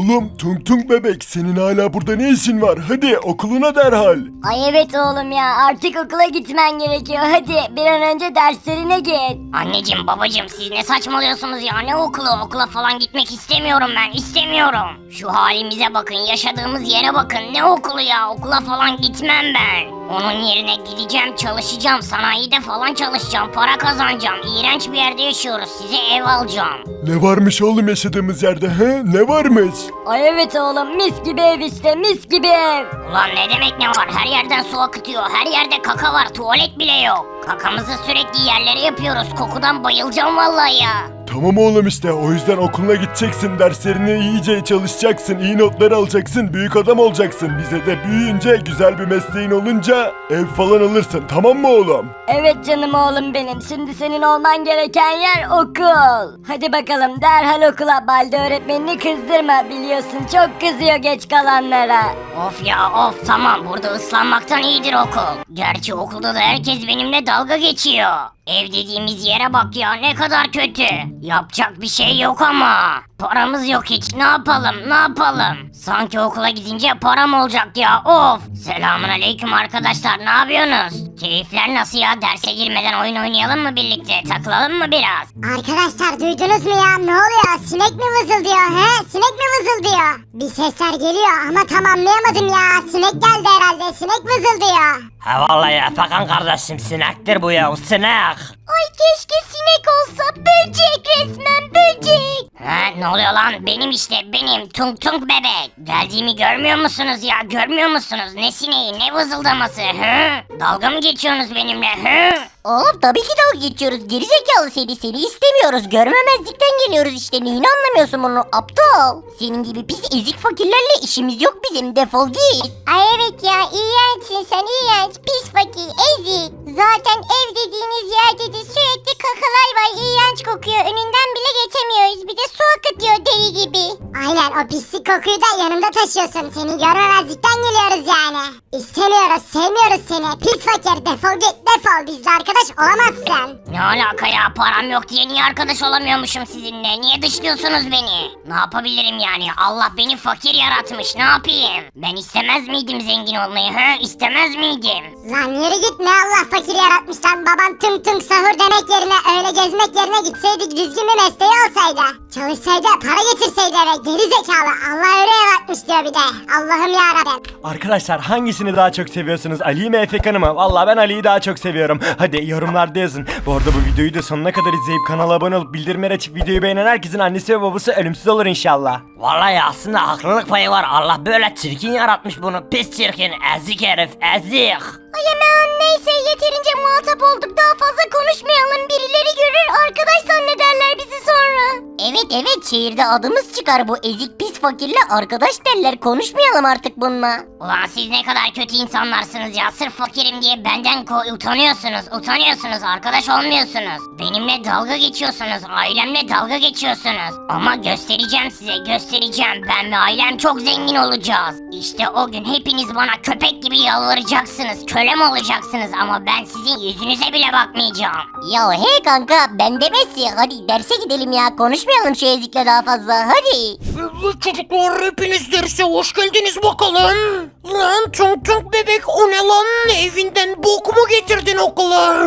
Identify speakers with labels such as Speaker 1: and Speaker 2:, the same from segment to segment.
Speaker 1: Oğlum Tung Tung bebek senin hala burada ne işin var? Hadi okuluna derhal.
Speaker 2: Ay evet oğlum ya, artık okula gitmen gerekiyor. Hadi bir an önce derslerine git.
Speaker 3: Anneciğim babacığım siz ne saçmalıyorsunuz ya, ne okulu, okula falan gitmek istemiyorum, ben istemiyorum. Şu halimize bakın, yaşadığımız yere bakın, ne okulu ya, okula falan gitmem ben. Onun yerine gideceğim, çalışacağım, sanayide falan çalışacağım, para kazanacağım. İğrenç bir yerde yaşıyoruz, size ev alacağım.
Speaker 1: Ne varmış oğlum yaşadığımız yerde he? Ne varmış?
Speaker 2: Ay evet oğlum, mis gibi ev işte, mis gibi ev.
Speaker 3: Ulan ne demek ne var, her yerden su akıtıyor, her yerde kaka var, tuvalet bile yok. Kakamızı sürekli yerlere yapıyoruz, kokudan bayılacağım vallahi ya.
Speaker 1: Tamam oğlum işte o yüzden okuluna gideceksin, derslerini iyice çalışacaksın, iyi notlar alacaksın, büyük adam olacaksın. Bize de büyüyünce güzel bir mesleğin olunca ev falan alırsın, tamam mı oğlum?
Speaker 2: Evet canım oğlum benim, şimdi senin olman gereken yer okul. Hadi bakalım derhal okula, Balde öğretmenini kızdırma, biliyorsun çok kızıyor geç kalanlara.
Speaker 3: Of ya of, tamam, burada ıslanmaktan iyidir okul. Gerçi okulda da herkes benimle dalga geçiyor. Ev dediğimiz yere bak ya, ne kadar kötü. Yapacak bir şey yok ama. Paramız yok hiç, ne yapalım ne yapalım. Sanki okula gidince param olacak ya, of. Selamun aleyküm arkadaşlar, ne yapıyorsunuz? Keyifler nasıl ya, derse girmeden oyun oynayalım mı birlikte, takılalım mı biraz?
Speaker 4: Arkadaşlar duydunuz mu ya? Ne oluyor? Sinek mi vızıldıyor he? Sinek mi vızıldıyor? Bir sesler geliyor ama tam anlayamadım ya. Sinek geldi herhalde. Sinek vızıldıyor.
Speaker 5: Ha vallahi Efekan kardeşim sinektir bu ya, sinek.
Speaker 2: Ay keşke sinek olsa, böcek resmen böcek.
Speaker 3: Ha, ne oluyor lan, benim işte, benim Tung Tung bebek. Geldiğimi görmüyor musunuz ya, görmüyor musunuz? Ne sineği, ne vızıldaması, hı? Dalga mı geçiyorsunuz benimle, hı?
Speaker 6: Oğlum tabii ki dalga geçiyoruz. Gerizekalı seni istemiyoruz. Görmemezlikten geliyoruz işte. Neyini anlamıyorsun bunu aptal? Senin gibi pis ezik fakirlerle işimiz yok bizim. Defol git.
Speaker 4: Ay evet ya, iğrençsin sen, iğrenç, pis fakir, ezik. Zaten ev dediğiniz yerde de sürekli kakalar var, iğrenç kokuyor. Önünden bile geçemiyoruz. Bir de su akıtıyor deli gibi. Aynen, o pislik kokuyu da yanımda taşıyorsun. Seni görmemezlikten geliyoruz yani. İstemiyoruz, sevmiyoruz seni. Pis fakir, defol git, defol. Bizle arkadaş olamazsın.
Speaker 3: Ne alaka ya, param yok diye niye arkadaş olamıyormuşum sizinle? Niye dışlıyorsunuz beni? Ne yapabilirim yani? Allah beni fakir yaratmış, ne yapayım? Ben istemez miydim zengin olmayı, he? İstemez miydim?
Speaker 4: Lan yürü git, ne Allah fakir yaratmış lan. Baban tım tım sahur demek yerine, öyle gezmek yerine gitseydik, düzgün bir mesleği olsaydı. Çalışsaydı, para getirseydi eve, geri zekalı. Allah öyle yaratmış diyor bir de. Allah'ım yarabbim.
Speaker 5: Arkadaşlar hangisini daha çok seviyorsunuz? Ali'yi mi Efekan'ı mı? Vallahi ben Ali'yi daha çok seviyorum. Hadi yorumlarda yazın. Bu arada bu videoyu da sonuna kadar izleyip kanala abone olup bildirimleri açıp videoyu beğenen herkesin annesi ve babası ölümsüz olur inşallah. Vallahi aslında haklılık payı var. Allah böyle çirkin yaratmış bunu. Pis çirkin, ezik herif, ezik.
Speaker 2: Ay aman neyse, yeterince muhatap olduk, daha fazla konuşmayalım, birileri görür arkadaş zannederler bizi sonra.
Speaker 6: Evet şehirde adımız çıkar, bu ezik pis fakirle arkadaş derler. Konuşmayalım artık bununla.
Speaker 3: Ulan siz ne kadar kötü insanlarsınız ya. Sırf fakirim diye benden utanıyorsunuz, arkadaş olmuyorsunuz. Benimle dalga geçiyorsunuz, ailemle dalga geçiyorsunuz. Ama göstereceğim size, göstereceğim. Ben ve ailem çok zengin olacağız. İşte o gün hepiniz bana köpek gibi yalvaracaksınız, kölem olacaksınız ama ben sizin yüzünüze bile bakmayacağım.
Speaker 6: Ya hey kanka, ben demesi. Hadi derse gidelim ya, konuşmayalım şu ezikle daha fazla, hadi.
Speaker 7: Evet çocuklar, hepiniz derse hoş geldiniz bakalım. Lan Tung Tung bebek, o ne lan? Evinden bok mu getirdin okula?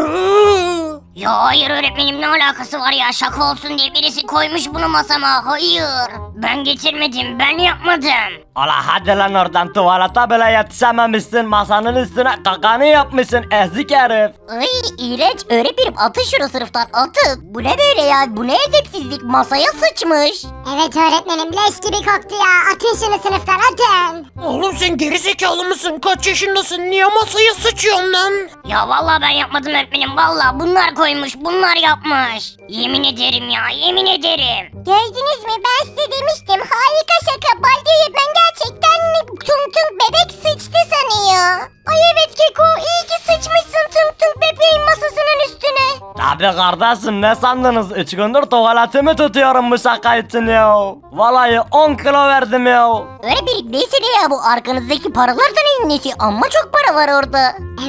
Speaker 3: Ya hayır öğretmenim, ne alakası var ya, şaka olsun diye birisi koymuş bunu masama, hayır. Ben getirmedim, ben yapmadım.
Speaker 5: Ola hadi lan oradan, tuvalete bile yetişememişsin. Masanın üstüne kakanı yapmışsın ezik herif.
Speaker 6: Ay iğrenç öğretmenim, atın şunu sınıftan, atın. Bu ne böyle ya, bu ne edepsizlik, masaya sıçmış.
Speaker 4: Evet öğretmenim, leş gibi koktu ya. Atın şunu sınıftan, atın.
Speaker 7: Oğlum sen gerizekalı mısın? Kaç yaşındasın? Niye masaya sıçıyorsun lan?
Speaker 3: Ya vallahi ben yapmadım öğretmenim, vallahi bunlar koymuş, bunlar yapmış. Yemin ederim ya, yemin ederim.
Speaker 4: Gördünüz mü, ben size demiştim. Harika şaka. Balde öğretmen gerçekten Tung Tung bebek sıçtı sanıyor. Ay evet Keko, iyi ki sıçmışsın Tung Tung bebeğin masasının üstüne.
Speaker 5: Tabi kardeşim, ne sandınız? 3 gündür tuvaletimi tutuyorum bu şaka için ya. Vallahi 10 kilo verdim ya.
Speaker 6: Öğretmenim neyse ne ya, bu arkanızdaki paralardan en nesi, amma çok para var orada.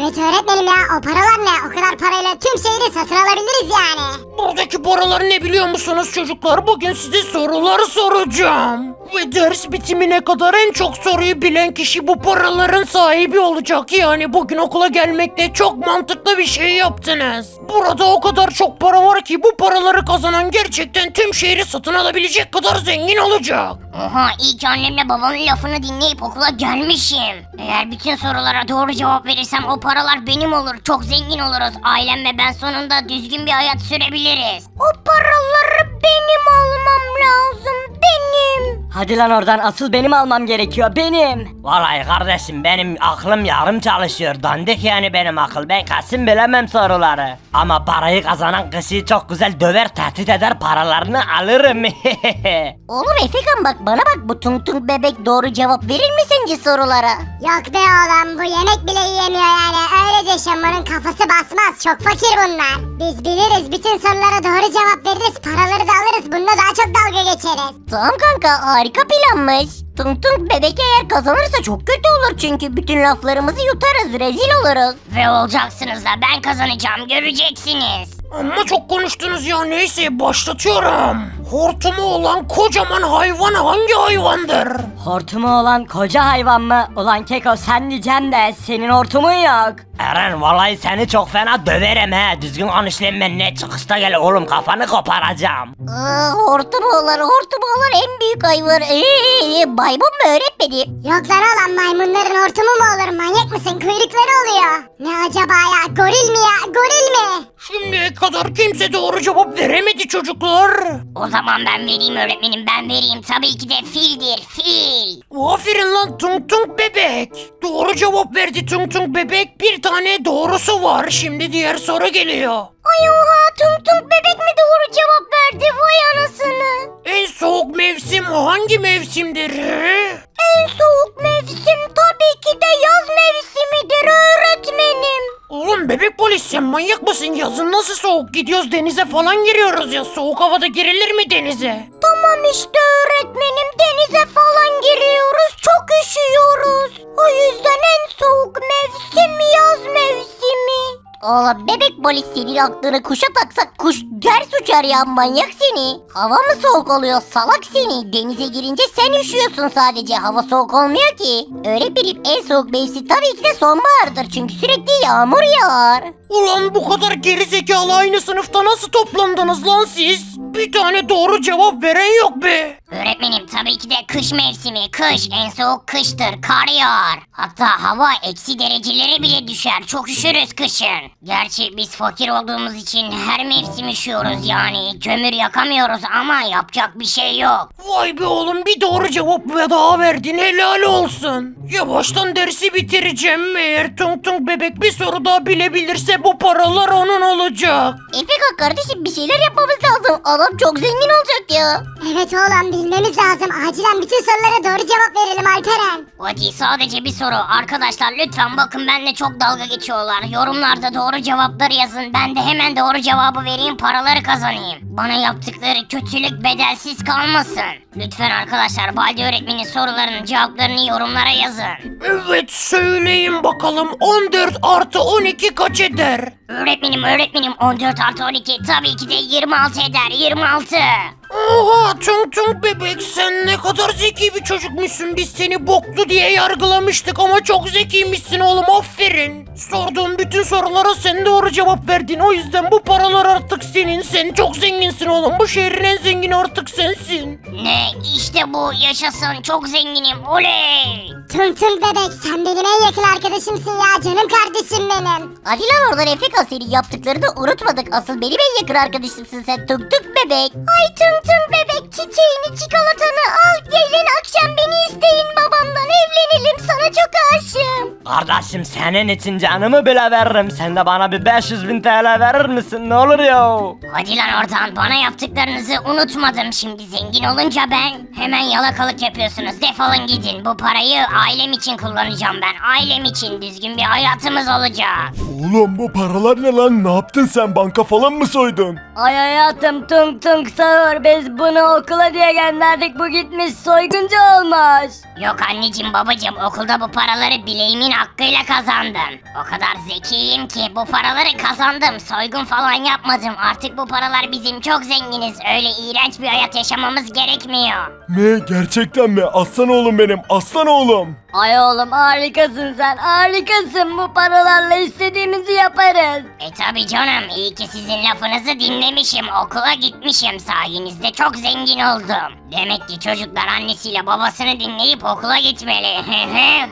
Speaker 4: Evet öğretmenim ya, o paralar ne? O kadar parayla tüm şehri satın alabiliriz yani.
Speaker 7: Buradaki paralar ne biliyor musunuz çocuklar? Bugün size sorular soracağım. Ve ders bitimine kadar en çok soruyu bilen kişi bu paraların sahibi olacak. Yani bugün okula gelmekte çok mantıklı bir şey yaptınız. Burada o kadar çok para var ki bu paraları kazanan gerçekten tüm şehri satın alabilecek kadar zengin olacak.
Speaker 3: Oha, iyi ki annemle babamın lafını dinleyip okula gelmişim. Eğer bütün sorulara doğru cevap verirsem o paralar benim olur. Çok zengin oluruz. Ailem ve ben sonunda düzgün bir hayat sürebiliriz.
Speaker 6: O paraları benim almam lazım, benim.
Speaker 2: Hadi lan oradan, asıl benim almam gerekiyor, benim.
Speaker 5: Vallahi kardeşim benim aklım yarım çalışıyor. Dandik yani benim akıl. Ben kesin bilemem soruları. Ama parayı kazanan kişiyi çok güzel döver, tehdit eder, paralarını alırım.
Speaker 6: Oğlum Efekan bak bana bak, bu tung tung bebek doğru cevap verir mi sence sorulara?
Speaker 4: Yok be oğlum, bu yemek bile yiyemiyor yani. Öylece şamanın kafası basmaz, çok fakir bunlar. Biz biliriz, bütün sorulara doğru cevap veririz, paraları da alırız, bununla daha çok dalga geçeriz.
Speaker 6: Tamam kanka, harika planmış. Tung tung bebek eğer kazanırsa çok kötü olur çünkü bütün laflarımızı yutarız, rezil oluruz.
Speaker 3: Ve olacaksınız da ben kazanacağım, göreceksiniz.
Speaker 7: Amma çok konuştunuz ya, neyse başlatıyorum. Hortumu olan kocaman hayvan hangi hayvandır?
Speaker 2: Hortumu olan koca hayvan mı? Ulan Keko, sen diyeceğim de senin hortumun yok.
Speaker 5: Eren vallahi seni çok fena döverim he. Düzgün konuş lan, benimle çıkışta gel oğlum, kafanı koparacağım.
Speaker 6: Hortum olan en büyük hayvan. Maymun mu öğretmedim?
Speaker 4: Yok lan oğlum, maymunların hortumu mu olur, manyak mısın, kuyrukları oluyor. Ne acaba ya, goril mi ya, goril mi?
Speaker 7: Şimdiye kadar kimse doğru cevap veremedi çocuklar.
Speaker 3: O zaman ben vereyim öğretmenim, ben vereyim. Tabii ki de fildir, fil.
Speaker 7: Aferin lan Tung Tung bebek. Doğru cevap verdi Tung Tung bebek. Bir tane doğrusu var. Şimdi diğer soru geliyor.
Speaker 6: Ay oha, tung tung bebek mi doğru cevap verdi, vay anasını.
Speaker 7: En soğuk mevsim hangi mevsimdir?
Speaker 6: En soğuk mevsim tabii ki de yaz mevsimidir öğretmenim.
Speaker 7: Oğlum bebek polis, sen manyak mısın? Yazın nasıl soğuk, gidiyoruz denize falan giriyoruz ya. Soğuk havada girilir mi denize?
Speaker 6: Tamam işte öğretmenim, denize falan giriyoruz, çok üşüyoruz. O yüzden en soğuk mevsim yaz mevsimi. Oğlum bebek polis, senin aklını kuşa taksak kuş ters uçar ya, manyak seni. Hava mı soğuk oluyor salak seni? Denize girince sen üşüyorsun sadece, hava soğuk olmuyor ki. Öğretmenim en soğuk mevsim tabii ki de sonbahardır çünkü sürekli yağmur yağar.
Speaker 7: Ulan bu kadar gerizekalı aynı sınıfta nasıl toplandınız lan siz? Bir tane doğru cevap veren yok be.
Speaker 3: Öğretmenim tabii ki de kış mevsimi. Kış en soğuk kıştır. Kar yağar. Hatta hava eksi derecelere bile düşer. Çok üşürüz kışın. Gerçi biz fakir olduğumuz için her mevsim üşüyoruz yani. Kömür yakamıyoruz ama yapacak bir şey yok.
Speaker 7: Vay be oğlum, bir doğru cevap daha verdin, helal olsun. Yavaştan dersi bitireceğim. Eğer Tung Tung bebek bir soru daha bilebilirse bu paralar onun olacak.
Speaker 6: Efeka kardeşim, bir şeyler yapmamız lazım. Adam çok zengin olacak ya.
Speaker 4: Evet oğlum, bilmemiz lazım, acilen bütün sorulara doğru cevap verelim Alperen.
Speaker 3: Hadi sadece bir soru. Arkadaşlar lütfen bakın, benimle çok dalga geçiyorlar. Yorumlarda doğru cevapları yazın. Ben de hemen doğru cevabı vereyim, paraları kazanayım. Bana yaptıkları kötülük bedelsiz kalmasın. Lütfen arkadaşlar, Baldi öğretmenin sorularının cevaplarını yorumlara yazın.
Speaker 7: Evet, söyleyin bakalım, 14 artı 12 kaç eder?
Speaker 3: Öğretmenim 14 artı 12 tabii ki de 26 eder, 26.
Speaker 7: Oha Tung Tung bebek, sen ne kadar zeki bir çocukmuşsun. Biz seni boklu diye yargılamıştık ama çok zekiymişsin oğlum, aferin. Sorduğum bütün sorulara sen doğru cevap verdin. O yüzden bu paralar artık senin. Sen çok zenginsin oğlum. Bu şehrin en zengini artık sensin.
Speaker 3: Ne işte bu, yaşasın, çok zenginim, oley.
Speaker 4: Tung Tung bebek, sen benim en yakın arkadaşımsın ya, canım kardeşim benim.
Speaker 6: Hadi lan oradan Efeka, senin yaptıklarını unutmadık. Asıl benim en yakın arkadaşımsın sen, tung tung bebek. Ay tung tung bebek, çiçeğini çikolatanı al, gelin akşam beni isteyin babamdan, evlenelim, sana çok aşığım.
Speaker 5: Kardeşim senin için canımı bile veririm. Sen de bana bir 500.000 TL verir misin? Ne olur ya?
Speaker 3: Hadi lan oradan, bana yaptıklarınızı unutmadım. Şimdi zengin olunca ben hemen yalakalık yapıyorsunuz. Defolun gidin. Bu parayı ailem için kullanacağım ben. Ailem için düzgün bir hayatımız olacak.
Speaker 1: Oğlum bu paralar ne lan? Ne yaptın sen? Banka falan mı soydun?
Speaker 2: Ay hayatım, tung tung sağır, biz bunu okula diye gönderdik, bu gitmiş soyguncu olmuş.
Speaker 3: Yok anneciğim babacığım, okulda bu paraları bileğimin hakkıyla kazandım. O kadar zekiyim ki bu paraları kazandım. Soygun falan yapmadım. Artık bu paralar bizim, çok zenginiz. Öyle iğrenç bir hayat yaşamamız gerekmiyor.
Speaker 1: Ne, gerçekten mi? Aslan oğlum benim, aslan oğlum.
Speaker 2: Ay oğlum harikasın sen, harikasın. Bu paralarla istediğimizi yaparız.
Speaker 3: Tabi canım, iyi ki sizin lafınızı dinlemişim. Okula gitmişim, sayenizde çok zengin oldum. Demek ki çocuklar annesiyle babasını dinleyip okula gitmeli.